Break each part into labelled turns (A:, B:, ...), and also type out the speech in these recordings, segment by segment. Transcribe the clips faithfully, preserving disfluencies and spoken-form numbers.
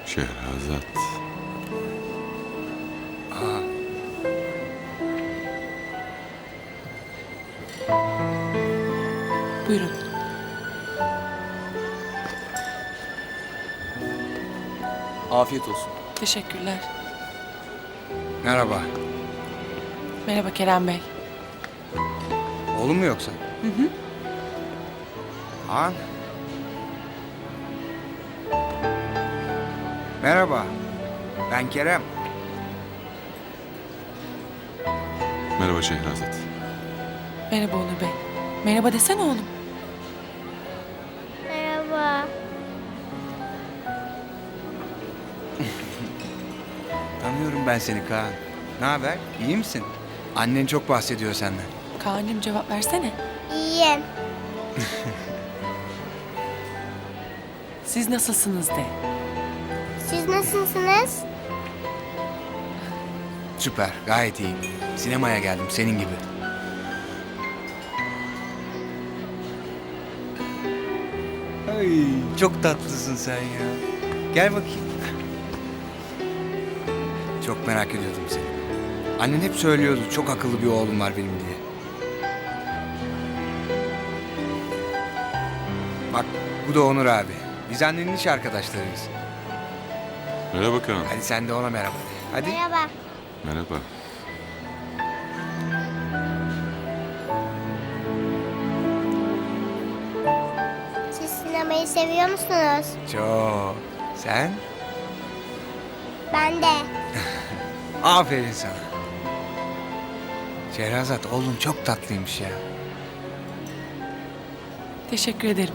A: Şehrazat.
B: Aa,
C: Buyurun.
D: Afiyet olsun.
C: Teşekkürler.
B: merhaba.
C: Merhaba Kerem Bey.
B: Oğlum mu yoksa?
C: Hı hı.
B: Han. Merhaba. Ben Kerem.
A: Merhaba Şehrazat.
C: Merhaba Onur Bey. Merhaba desene oğlum.
E: Merhaba.
B: Tanıyorum ben seni Kaan. Ne haber? İyi misin? Annen çok bahsediyor senden.
C: Kaan'cığım cevap versene.
E: İyiyim.
C: Siz nasılsınız de.
E: Siz nasılsınız?
B: Süper, gayet iyiyim. Sinemaya geldim senin gibi. Ay, çok tatlısın sen ya. Gel bakayım. Çok merak ediyordum seni. Annen hep söylüyordu çok akıllı bir oğlum var benim diye. Bak bu da Onur abi. Biz annenin iş arkadaşlarıyız.
A: Merhaba Kaan.
B: Hadi sen de ona merhaba de. Hadi.
E: Merhaba.
A: Merhaba.
E: Siz sinemayı seviyor musunuz?
B: Çok. Sen?
E: Ben de.
B: Aferin sana. Şehrazat oğlum çok tatlıymış ya.
C: Teşekkür ederim.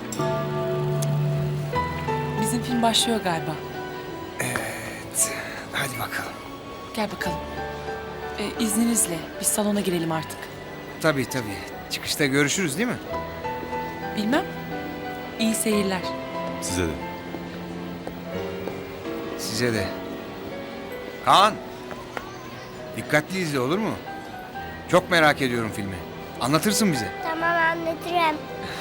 C: Bizim film başlıyor galiba.
B: Evet. Hadi bakalım.
C: Gel bakalım. Ee, izninizle biz salona girelim artık.
B: Tabii tabii. Çıkışta görüşürüz değil mi?
C: Bilmem. İyi seyirler.
A: Size de.
B: Size de. Kaan. Dikkatli izle olur mu? Çok merak ediyorum filmi. Anlatırsın bize.
E: Tamam, anlatırım.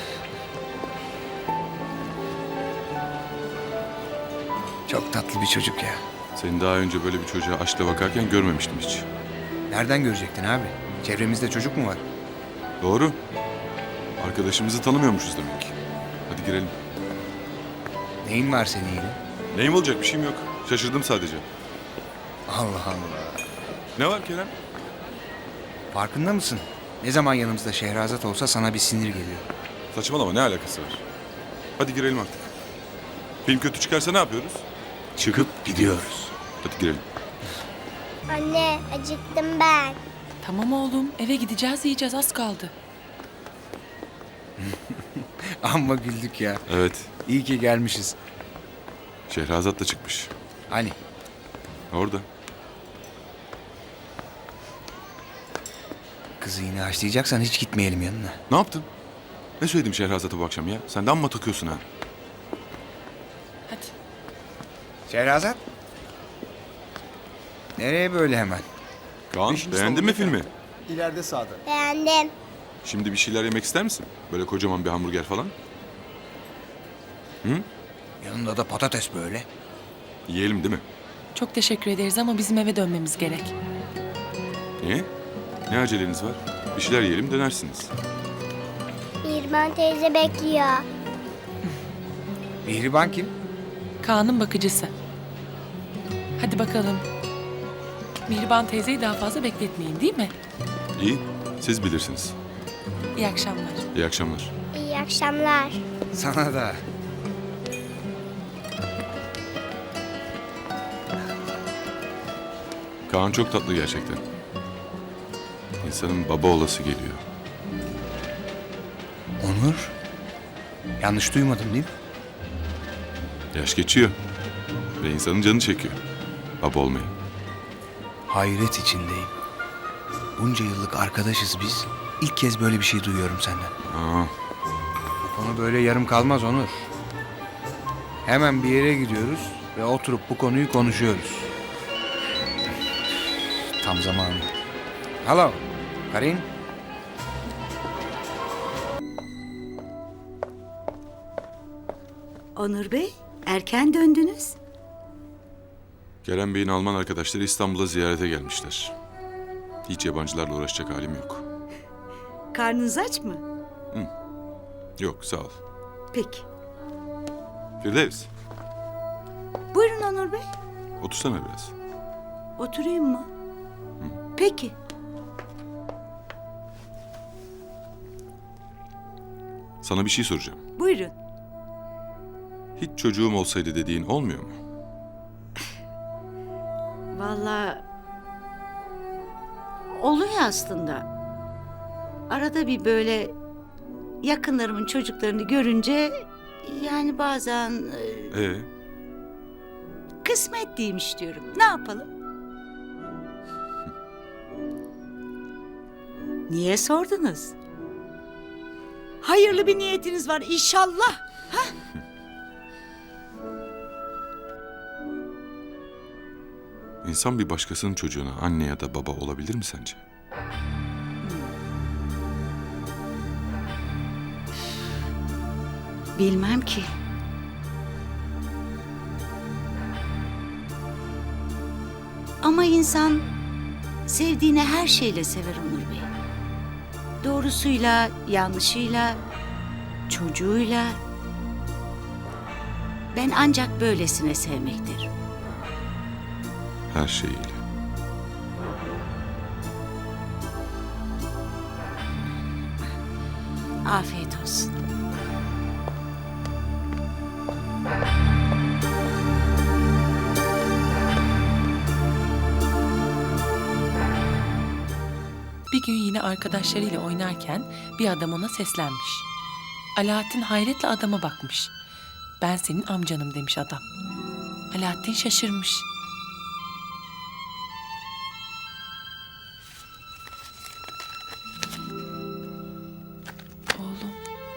B: Çok tatlı bir çocuk ya.
A: Seni daha önce böyle bir çocuğa aşkla bakarken görmemiştim hiç.
B: Nereden görecektin abi? Çevremizde çocuk mu var?
A: Doğru. Arkadaşımızı tanımıyormuşuz demek. Hadi girelim.
B: Neyin var senin yine?
A: Neyim olacak bir şeyim yok. Şaşırdım sadece.
B: Allah Allah.
A: Ne var Kerem?
B: Farkında mısın? Ne zaman yanımızda Şehrazat olsa sana bir sinir geliyor.
A: Saçmalama ne alakası var? Hadi girelim artık. Film kötü çıkarsa ne yapıyoruz?
B: Çıkıp gidiyoruz.
A: Hadi girelim.
E: Anne, acıktım ben.
C: Tamam oğlum eve gideceğiz yiyeceğiz az kaldı.
B: Amma güldük ya.
A: Evet.
B: İyi ki gelmişiz.
A: Şehrazat da çıkmış.
B: Hani?
A: Orada.
B: Kızı yine haşlayacaksan hiç gitmeyelim yanına.
A: Ne yaptın? Ne söyledim Şehrazat'a bu akşam ya? Sen de amma takıyorsun ha.
C: Hadi.
B: Şehrazat? Nereye böyle hemen?
A: Kaan
D: Beşinci
A: beğendin mi
D: salonda
A: filmi?
D: İleride sağda.
E: Beğendim.
A: Şimdi bir şeyler yemek ister misin? Böyle kocaman bir hamburger falan.
B: Yanında da patates böyle.
A: Yiyelim değil mi?
C: Çok teşekkür ederiz ama bizim eve dönmemiz gerek.
A: Niye? Ne aceleniz var? Bir şeyler yiyelim dönersiniz.
E: Mirman teyze bekliyor.
B: Mihriban kim?
C: Kaan'ın bakıcısı. Hadi bakalım. Mihriban teyzeyi daha fazla bekletmeyin değil mi?
A: İyi, siz bilirsiniz.
C: İyi akşamlar.
A: İyi akşamlar.
E: İyi akşamlar.
B: Sana da.
A: Kaan çok tatlı gerçekten. İnsanın baba olası geliyor.
B: Onur? Yanlış duymadım değil mi?
A: Yaş geçiyor. Ve insanın canı çekiyor. Baba olmayı.
B: Hayret içindeyim. Bunca yıllık arkadaşız biz. İlk kez böyle bir şey duyuyorum senden.
A: Aa,
B: Bu konu böyle yarım kalmaz Onur. Hemen bir yere gidiyoruz ve oturup bu konuyu konuşuyoruz. Tam zamanı. Hello, Karin.
F: Onur Bey, erken döndünüz.
A: Kerem Bey'in Alman arkadaşları İstanbul'a ziyarete gelmişler. Hiç yabancılarla uğraşacak halim yok.
F: Karnınız aç mı?
A: Yok, sağ ol.
F: Peki.
A: Firdevs,
F: Buyurun Onur Bey.
A: otursana biraz.
F: Oturayım mı? Peki.
A: Sana bir şey soracağım.
F: Buyurun.
A: Hiç çocuğum olsaydı dediğin olmuyor mu?
F: Vallahi oluyor aslında. Arada bir böyle yakınlarımın çocuklarını görünce yani bazen e,
A: Ee,
F: kısmet değilmiş diyorum. Ne yapalım? Niye sordunuz? Hayırlı bir niyetiniz var inşallah.
A: insan bir başkasının çocuğuna anne ya da baba olabilir mi sence?
F: Bilmem ki. Ama insan sevdiğini her şeyle sever Onur Bey. Doğrusuyla, yanlışıyla, çocuğuyla. Ben ancak böylesine sevmektir.
A: Her şeyiyle.
F: Afiyet olsun.
C: Bir gün yine arkadaşlarıyla oynarken bir adam ona seslenmiş. Alaaddin hayretle adama bakmış. Ben senin amcanım demiş adam. Alaaddin şaşırmış. Oğlum,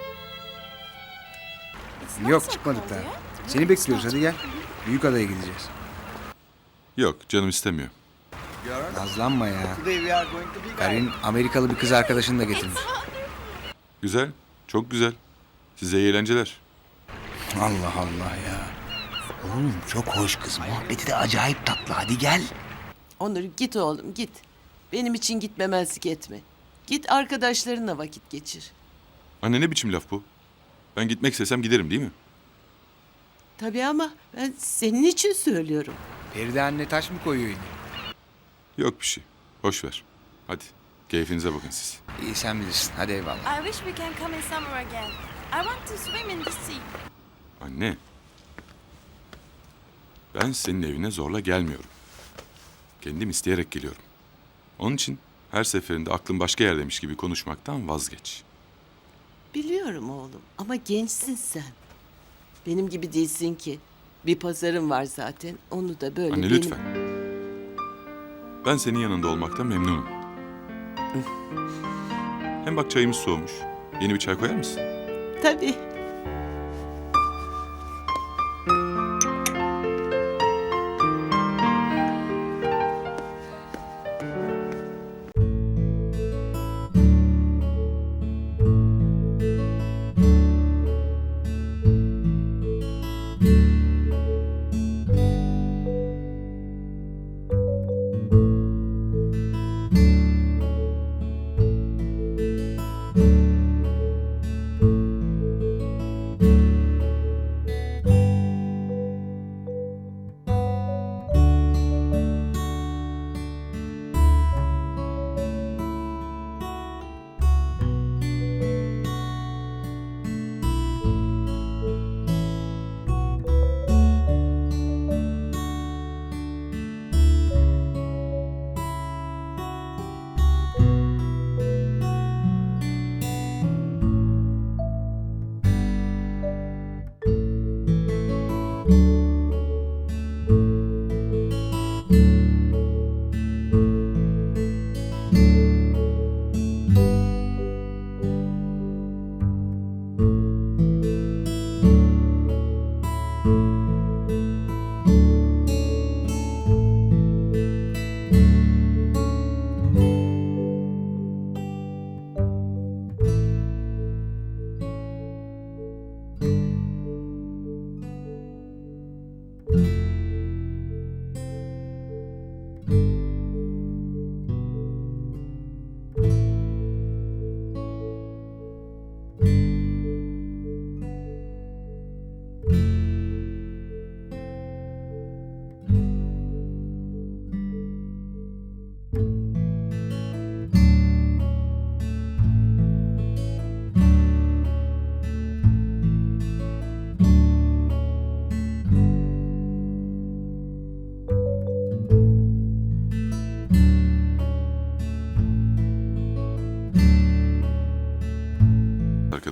B: Yok çıkmadık daha. Seni bekliyoruz hadi gel. Büyük adaya gideceğiz.
A: Yok, canım istemiyor.
B: Nazlanma ya. Karin Amerikalı bir kız arkadaşını da getirmiş.
A: Güzel, çok güzel. Size iyi eğlenceler.
B: Allah Allah ya. Oğlum çok hoş kız. Muhabbeti de acayip tatlı. Hadi gel.
G: Onur git oğlum git. Benim için gitmemezlik etme. Git arkadaşlarınla vakit geçir.
A: Anne ne biçim laf bu? Ben gitmek istesem giderim değil mi?
G: Tabii ama ben senin için söylüyorum.
B: Feride anne taş mı koyuyor yine?
A: Yok bir şey. Boş ver. Hadi, keyfinize bakın siz.
B: İyi sen bilirsin. Hadi eyvallah.
H: I wish we can come in summer again. I want to swim in the sea.
A: Anne. Ben senin evine zorla gelmiyorum. Kendim isteyerek geliyorum. Onun için her seferinde aklın başka yerdeymiş gibi konuşmaktan vazgeç.
G: Biliyorum oğlum ama gençsin sen. Benim gibi değilsin ki. Bir pazarın var zaten. Onu da böyle
A: Anne
G: benim...
A: lütfen. Ben senin yanında olmaktan memnunum. Hem bak çayımız soğumuş. Yeni bir çay koyar mısın?
G: Tabii.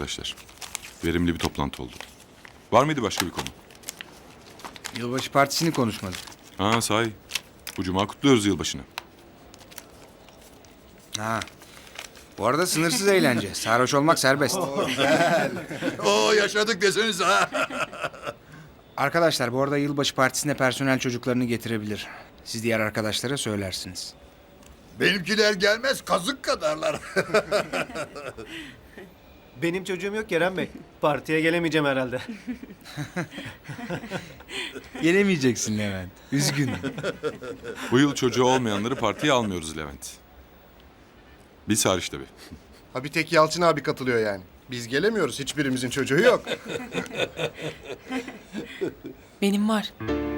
A: arkadaşlar. Verimli bir toplantı oldu. Var mıydı başka bir konu?
B: Yılbaşı partisini konuşmadık.
A: Ha sahi. Bu cuma kutluyoruz yılbaşını.
B: Ha. Bu arada sınırsız eğlence. Sarhoş olmak serbest.
I: Oo yaşadık desenize ha.
B: Arkadaşlar bu arada yılbaşı partisine personel çocuklarını getirebilir. Siz diğer arkadaşlara söylersiniz.
I: Benimkiler gelmez kazık kadarlar.
D: Benim çocuğum yok Kerem Bey. Partiye gelemeyeceğim herhalde.
B: Gelemeyeceksin Levent. Üzgünüm.
A: Bu yıl çocuğu olmayanları partiye almıyoruz Levent. Biz hariç tabii.
J: Ha bir tek Yalçın abi katılıyor yani. Biz gelemiyoruz. Hiçbirimizin çocuğu yok.
C: Benim var.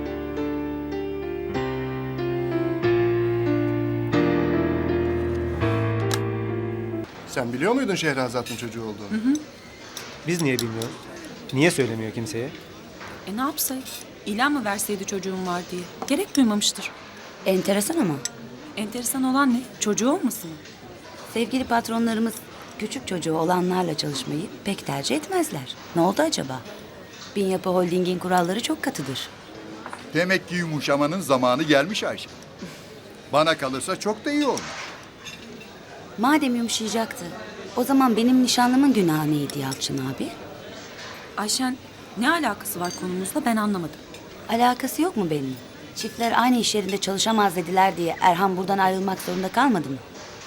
J: Sen biliyor muydun Şehrazat'ın çocuğu olduğunu?
D: Biz niye bilmiyoruz? Niye söylemiyor kimseye?
H: E ne yapsaydı? İlan mı verseydi çocuğum var diye? Gerek duymamıştır.
F: Enteresan ama.
H: Enteresan olan ne? Çocuğu olmasın mı?
F: Sevgili patronlarımız küçük çocuğu olanlarla çalışmayı pek tercih etmezler. Ne oldu acaba? Bin Yapı Holding'in kuralları çok katıdır.
I: Demek ki yumuşamanın zamanı gelmiş Ayşe. Bana kalırsa çok da iyi olmuş.
F: Madem yumuşayacaktı, o zaman benim nişanlımın günahı neydi Yalçın abi?
H: Ayşen ne alakası var konumuzla ben anlamadım.
F: Alakası yok mu benim? Çiftler aynı iş yerinde çalışamaz dediler diye Erhan buradan ayrılmak zorunda kalmadı mı?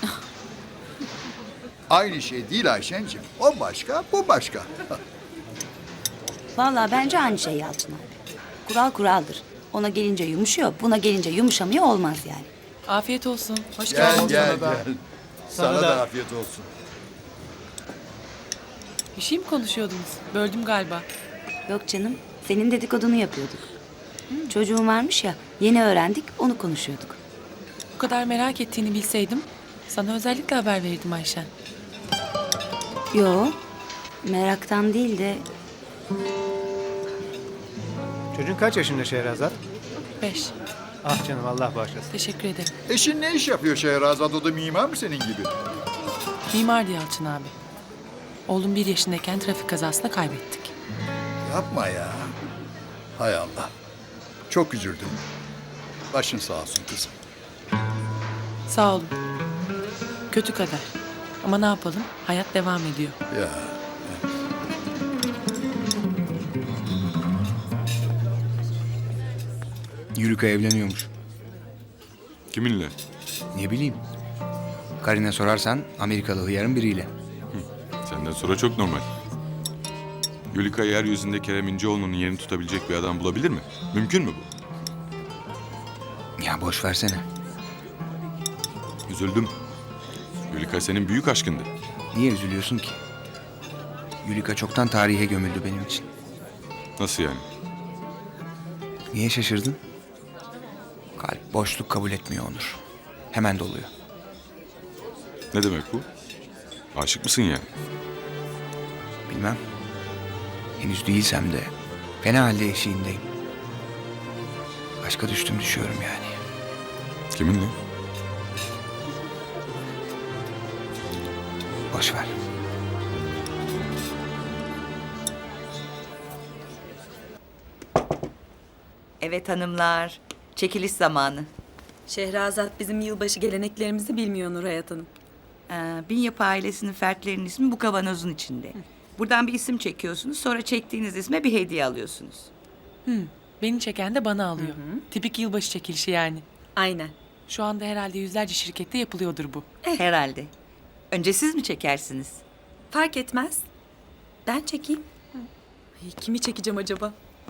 I: Aynı şey değil Ayşenciğim. O başka, bu başka.
F: Vallahi bence aynı şey Yalçın abi. Kural kuraldır. Ona gelince yumuşuyor, buna gelince yumuşamıyor olmaz yani.
C: Afiyet olsun. Hoş
I: Gel
C: geldin.
I: gel
D: da.
I: gel. Sana, da afiyet olsun.
C: Bir şey mi konuşuyordunuz? Böldüm galiba.
F: Yok canım, senin dedikodunu yapıyorduk. Çocuğum varmış ya, yeni öğrendik, onu konuşuyorduk.
C: Bu kadar merak ettiğini bilseydim sana özellikle haber verirdim Ayşen.
F: Yo, meraktan değil de
D: Çocuğun kaç yaşında Şehrazat?
C: Beş.
D: Ah canım Allah bağışlasın.
C: Teşekkür ederim.
I: Eşin ne iş yapıyor Şehrazat? O da mimar mı senin gibi?
C: Mimardı Yalçın abi. Oğlum bir yaşındayken trafik kazasında kaybettik.
I: Yapma ya. Hay Allah. Çok üzüldüm. Başın sağ olsun kızım.
C: Sağ olun. Kötü kader. Ama ne yapalım? Hayat devam ediyor.
I: Ya.
B: Yürüka evleniyormuş.
A: Kiminle?
B: Ne bileyim. Karine sorarsan Amerikalı hıyarın biriyle.
A: Senden sonra çok normal. Yulika yeryüzünde Kerem İnceoğlu'nun yerini tutabilecek bir adam bulabilir mi? Mümkün mü bu?
B: Ya boş versene.
A: Üzüldüm. Yulika senin büyük aşkındı.
B: Niye üzülüyorsun ki? Yulika çoktan tarihe gömüldü benim için.
A: Nasıl yani?
B: Niye şaşırdın? Kalp boşluk kabul etmiyor Onur. Hemen doluyor.
A: Ne demek bu? Aşık mısın yani?
B: Bilmem. Henüz değilsem de fena halde eşiğindeyim. Aşka düştüm düşüyorum yani.
A: Kiminle?
B: Boş ver.
K: Evet hanımlar, çekiliş zamanı.
H: Şehrazat bizim yılbaşı geleneklerimizi bilmiyor Nuray Hanım.
K: Ee, Bin Yapı ailesinin fertlerinin ismi bu kavanozun içinde. Buradan bir isim çekiyorsunuz, sonra çektiğiniz isme bir hediye alıyorsunuz.
C: Beni çeken de bana alıyor. Tipik yılbaşı çekilişi yani.
H: Aynen.
C: Şu anda herhalde yüzlerce şirkette yapılıyordur bu.
K: Herhalde. Önce siz mi çekersiniz?
H: Fark etmez. Ben çekeyim. Ay, kimi çekeceğim acaba?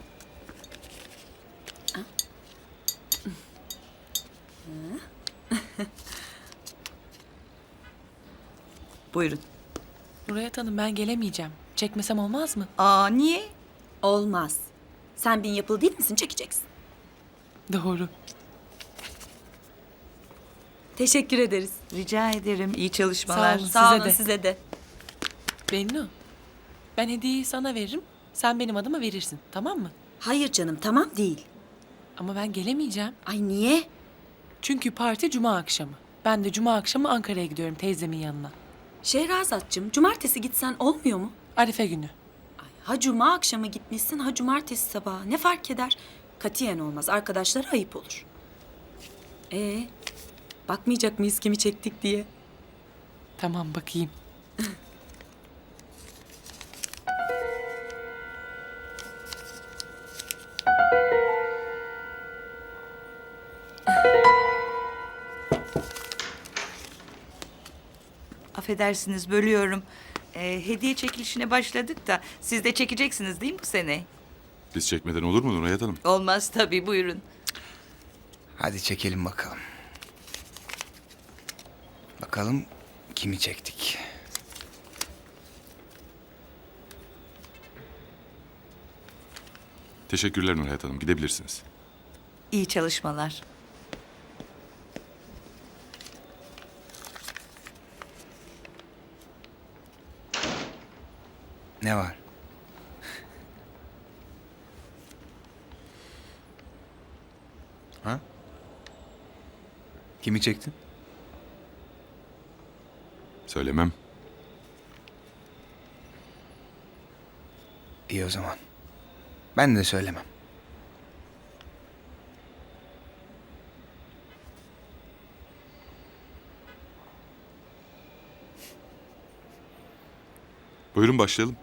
K: Buyurun.
C: Nurayet Hanım ben gelemeyeceğim. Çekmesem olmaz mı?
K: Aa niye?
H: Olmaz. Sen bin yapılı değil misin? Çekeceksin.
C: Doğru.
H: Teşekkür ederiz.
K: Rica ederim. İyi çalışmalar.
C: Sağ olun.
H: Sağ
C: Size
H: olun
C: de.
H: size de.
C: Bennu. Ben hediyeyi sana veririm. Sen benim adıma verirsin. Tamam mı?
H: Hayır canım tamam değil.
C: Ama ben gelemeyeceğim.
H: Ay niye?
C: Çünkü parti cuma akşamı. Ben de cuma akşamı Ankara'ya gidiyorum teyzemin yanına.
H: Şehrazatçım cumartesi gitsen olmuyor mu?
C: Arife günü.
H: Ha cuma akşamı gitmişsin, ha cumartesi sabahı. Ne fark eder? Katiyen olmaz. Arkadaşlara ayıp olur. Ee, bakmayacak mıyız kimi çektik diye?
C: Tamam bakayım.
K: Affedersiniz bölüyorum. Ee, hediye çekilişine başladık da siz de çekeceksiniz değil mi bu sene?
A: Biz çekmeden olur mu Nurhayat Hanım?
K: Olmaz tabii buyurun.
B: Hadi çekelim bakalım. Bakalım kimi çektik.
A: Teşekkürler Nurhayat Hanım. Gidebilirsiniz.
K: İyi çalışmalar.
B: Ne var? Ha? Kimi çektin?
A: Söylemem.
B: İyi o zaman. Ben de söylemem.
A: Buyurun başlayalım.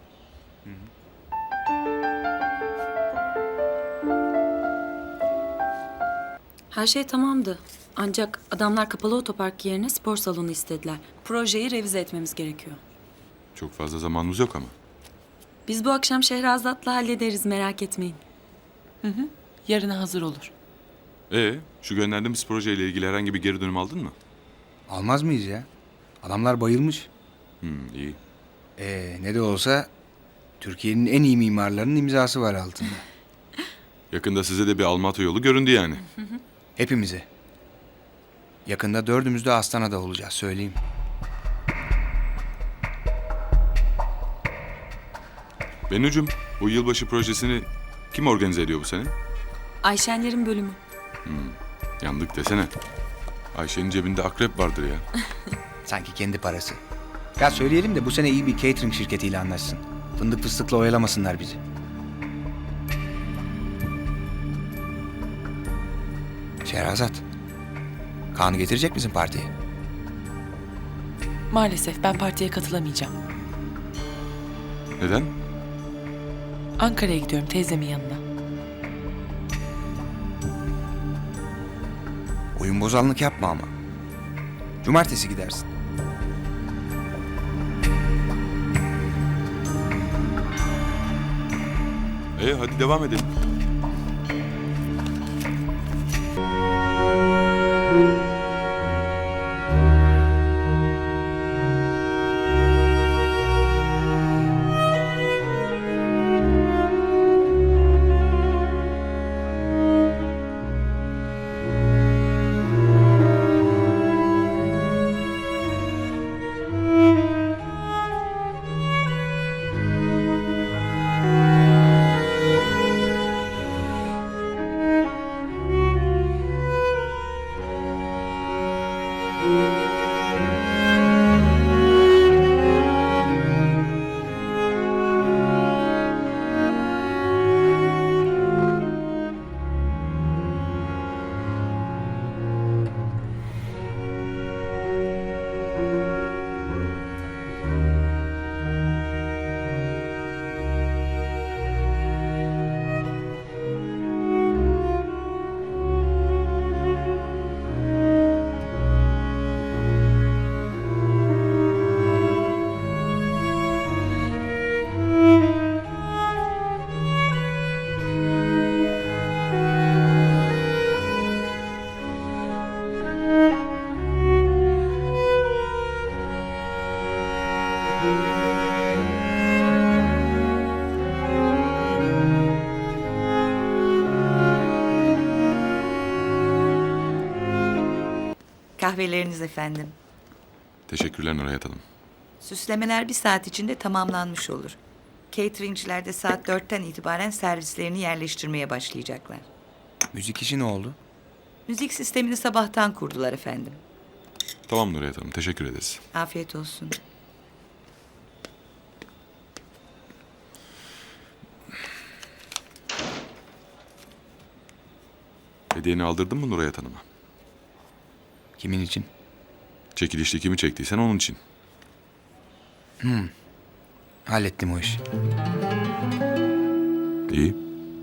H: Her şey tamamdı. Ancak adamlar kapalı otopark yerine spor salonu istediler. Projeyi revize etmemiz gerekiyor.
A: Çok fazla zamanımız yok ama.
H: Biz bu akşam Şehrazat'la hallederiz, merak etmeyin.
C: Yarına hazır olur.
A: Ee, şu gönderdiğimiz projeyle ilgili herhangi bir geri dönüm aldın mı?
B: Almaz mıyız ya? Adamlar bayılmış.
A: Hmm, iyi.
B: Ee, ne de olsa Türkiye'nin en iyi mimarlarının imzası var altında.
A: Yakında size de bir Almatı yolu göründü yani.
B: Hepimize. Yakında dördümüz de Astana'da olacağız söyleyeyim.
A: Bennucuğum, bu yılbaşı projesini kim organize ediyor bu sene?
H: Ayşenlerin bölümü.
A: Yandık desene. Ayşe'nin cebinde akrep vardır ya.
B: Sanki kendi parası. Ya söyleyelim de bu sene iyi bir catering şirketiyle anlaşsın. Fındık fıstıkla oyalamasınlar bizi. Şehrazat. Kaan'ı getirecek misin partiye?
C: Maalesef ben partiye katılamayacağım.
A: Neden?
C: Ankara'ya gidiyorum teyzemin yanına.
B: Oyun bozanlık yapma ama. Cumartesi gidersin.
A: Ee, hadi devam edelim.
K: Kahveleriniz efendim.
A: Teşekkürler Nurhayat Hanım.
K: Süslemeler bir saat içinde tamamlanmış olur. Cateringçiler de saat dörtten itibaren servislerini yerleştirmeye başlayacaklar.
B: Müzik işi ne oldu?
K: Müzik sistemini sabahtan kurdular efendim.
A: Tamam Nurhayat Hanım, teşekkür ederiz.
K: Afiyet olsun.
A: Hediyeni aldırdın mı Nuray Hanım'a?
B: Kimin için?
A: Çekilişli kimi çektiysen onun için.
B: Hallettim o işi.
A: İyi.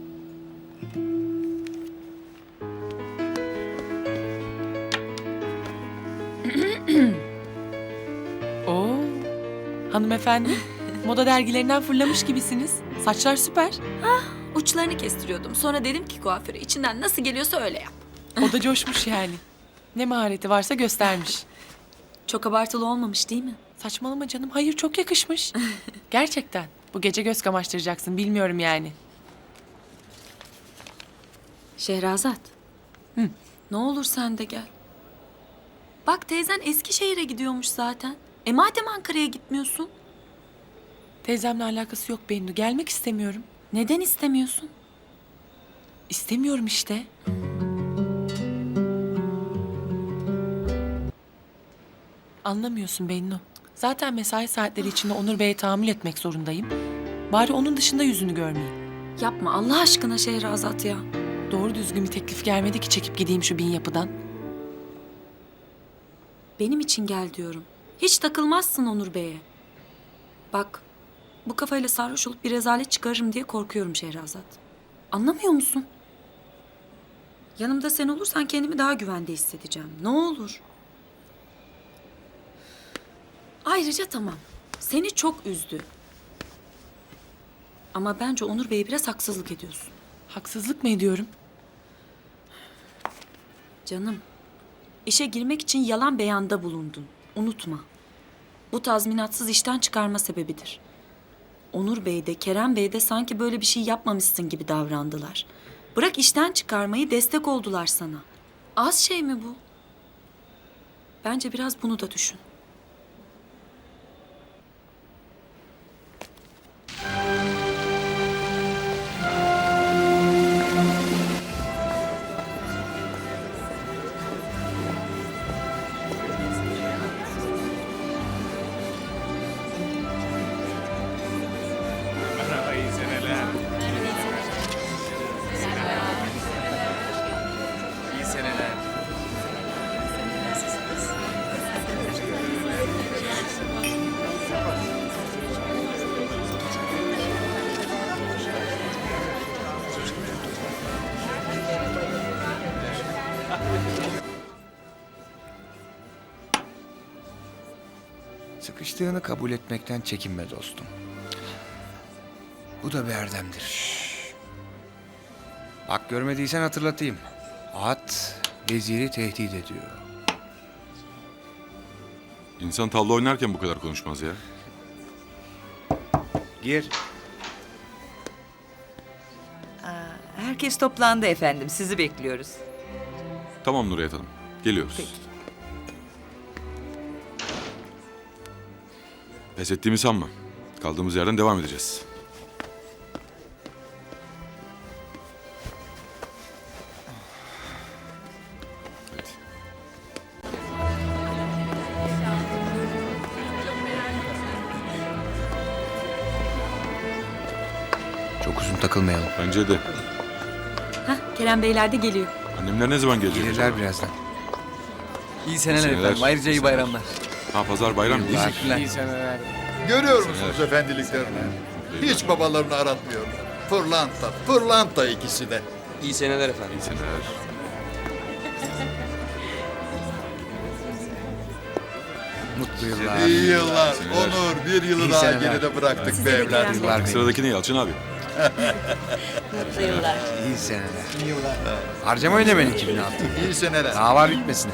C: Oo. Hanımefendi, moda dergilerinden fırlamış gibisiniz. Saçlar süper.
H: Uçlarını kestiriyordum. Sonra dedim ki kuaföre içinden nasıl geliyorsa öyle yap.
C: O da coşmuş yani. Ne mahareti varsa göstermiş.
H: Çok abartılı olmamış değil mi?
C: Saçmalama canım. Hayır, çok yakışmış. Gerçekten. Bu gece göz kamaştıracaksın. Bilmiyorum yani.
H: Şehrazat.
C: Hı.
H: Ne olur sen de gel. Bak teyzen Eskişehir'e gidiyormuş zaten. E madem Ankara'ya gitmiyorsun?
C: Teyzemle alakası yok Bennu. Gelmek istemiyorum.
H: Neden istemiyorsun?
C: İstemiyorum işte. Anlamıyorsun Bennu. Zaten mesai saatleri içinde Onur Bey'e tahammül etmek zorundayım. Bari onun dışında yüzünü görmeyeyim.
H: Yapma Allah aşkına Şehrazat ya.
C: Doğru düzgün bir teklif gelmedi ki çekip gideyim şu bin yapıdan.
H: Benim için gel diyorum. Hiç takılmazsın Onur Bey'e. Bak bu kafayla sarhoş olup bir rezalet çıkarırım diye korkuyorum Şehrazat. Anlamıyor musun? Yanımda sen olursan kendimi daha güvende hissedeceğim. Ne olur. Ayrıca tamam. Seni çok üzdü. Ama bence Onur Bey'e biraz haksızlık ediyorsun.
C: Haksızlık mı ediyorum?
H: Canım, işe girmek için yalan beyanda bulundun. Unutma. Bu tazminatsız işten çıkarma sebebidir. Onur Bey de Kerem Bey de sanki böyle bir şey yapmamışsın gibi davrandılar. Bırak işten çıkarmayı, destek oldular sana. Az şey mi bu? Bence biraz bunu da düşün.
B: Sıkıştığını kabul etmekten çekinme dostum. Bu da bir erdemdir. Bak görmediysen hatırlatayım. At veziri tehdit ediyor.
A: İnsan tavla oynarken bu kadar konuşmaz ya.
B: Gir.
K: Herkes toplandı efendim. Sizi bekliyoruz.
A: Tamam Nuray Hanım. Geliyoruz.
K: Peki.
A: Pes ettiğimi sanma. Kaldığımız yerden devam edeceğiz. Hadi.
B: Çok uzun takılmayalım.
A: Bence de.
H: Hah, Kerem Beyler de geliyor.
A: Annemler ne zaman gelecek?
B: Gelirler birazdan.
L: İyi seneler,
A: seneler.
L: efendim. Ayrıca iyi bayramlar.
A: Ha pazar bayram değil mi?
L: seneler.
I: Görüyor musunuz efendiliklerini? Hiç babalarını aratmıyor. Pırlanta, pırlanta ikisi de.
L: İyi seneler efendim.
A: İyi seneler.
B: Mutlu yıllar.
I: İyi yıllar.
A: seneler.
I: Onur, bir yılı
B: İyi
I: daha
B: seneler.
I: geride bıraktık
H: Size
I: be
H: de
I: evlat.
H: Kerem Bey.
B: Yıllar benim.
A: Sıradaki ne Yalçın abi?
F: Mutlu yıllar.
B: İyi seneler. İyi yıllar. Harcamayın hemen iki bin altı.
I: İyi seneler.
B: Daha var bitmesine.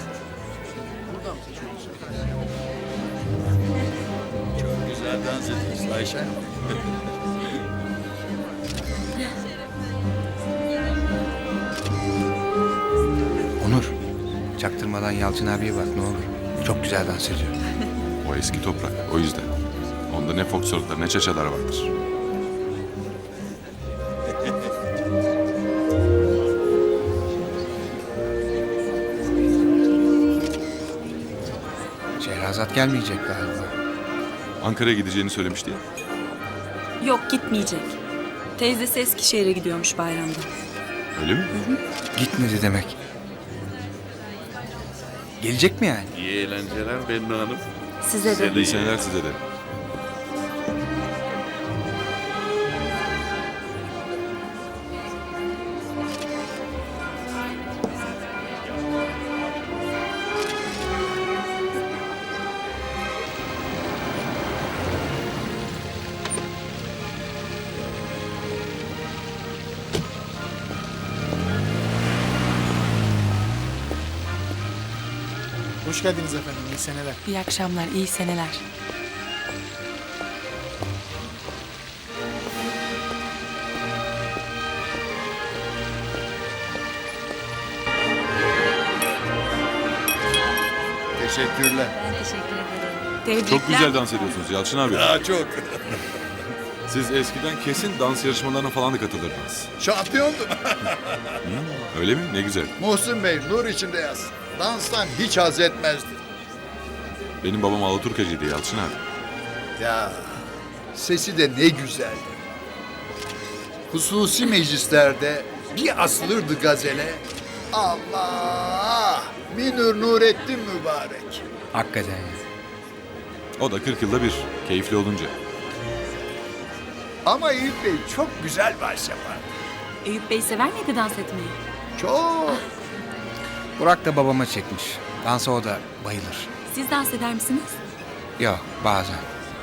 I: Güzel dans ediyorsun Ayşe.
B: Onur. Çaktırmadan Yalçın abiye bak ne olur. Çok güzel dans ediyor.
A: O eski toprak. O yüzden. Onda ne foksörtler ne çeçeler vardır.
B: Şehrazat gelmeyecek galiba.
A: Ankara'ya gideceğini söylemişti ya.
H: Yok gitmeyecek. Teyzesi Eskişehir'e gidiyormuş bayramda.
A: Öyle mi?
B: Gitmedi demek. Gelecek mi yani?
M: İyi eğlenceler Bennu Hanım.
H: Size de.
A: İyi seneler size de.
D: Hoş geldiniz efendim. İyi seneler.
C: İyi akşamlar, iyi seneler.
J: Teşekkürler.
H: Tebrikler.
A: Çok güzel dans ediyorsunuz Yalçın abi.
I: Daha çok.
A: Siz eskiden kesin dans yarışmalarına falan da katılırdınız.
I: Şampiyondum.
A: Öyle mi? Ne güzel.
I: Muhsin Bey nur içinde yaz. Danstan hiç haz etmezdi.
A: Benim babam Alaturkacıydı Yalçın abi.
I: Ya sesi de ne güzeldi. Hususi meclislerde bir asılırdı gazele. Allah! Minür Nurettin mübarek.
B: Hakikaten ya.
A: O da kırk yılda bir. Keyifli olunca.
I: Ama Eyüp Bey çok güzel vals yapar.
H: Eyüp Bey sever miydi dans etmeyi?
I: Çok.
B: Burak da babama çekmiş. Dansa o da bayılır.
H: Siz dans eder misiniz?
B: Yok bazen.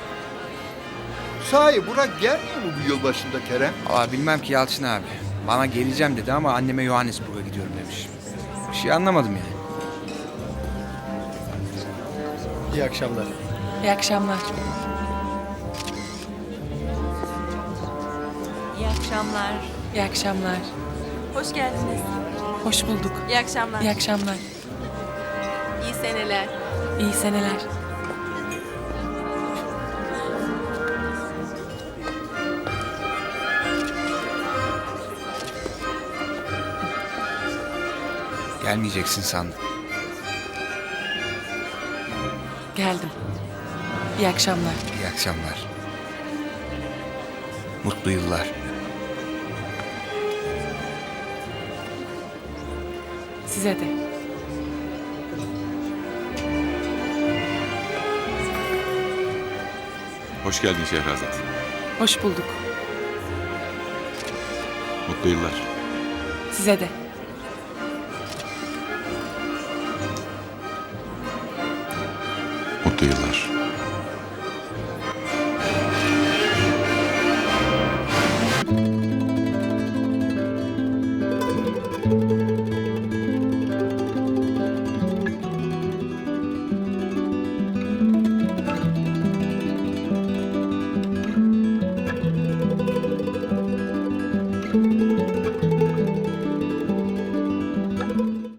I: Sahi Burak gelmiyor mu bu yılbaşında Kerem?
B: Aa, bilmem ki Yalçın abi. Bana geleceğim dedi ama anneme Johannesburg'a gidiyorum demiş. Bir şey anlamadım yani.
D: İyi akşamlar.
C: İyi akşamlar.
K: İyi akşamlar.
C: İyi akşamlar.
K: Hoş geldiniz.
C: Hoş bulduk.
K: İyi akşamlar.
C: İyi akşamlar.
K: İyi seneler.
C: İyi seneler.
B: Gelmeyeceksin sandım.
C: Geldim. İyi akşamlar.
B: İyi akşamlar. Mutlu yıllar.
C: Size de.
A: Hoş geldin Şehrazat.
C: Hoş bulduk.
A: Mutlu yıllar.
C: Size de.
A: Mutlu yıllar.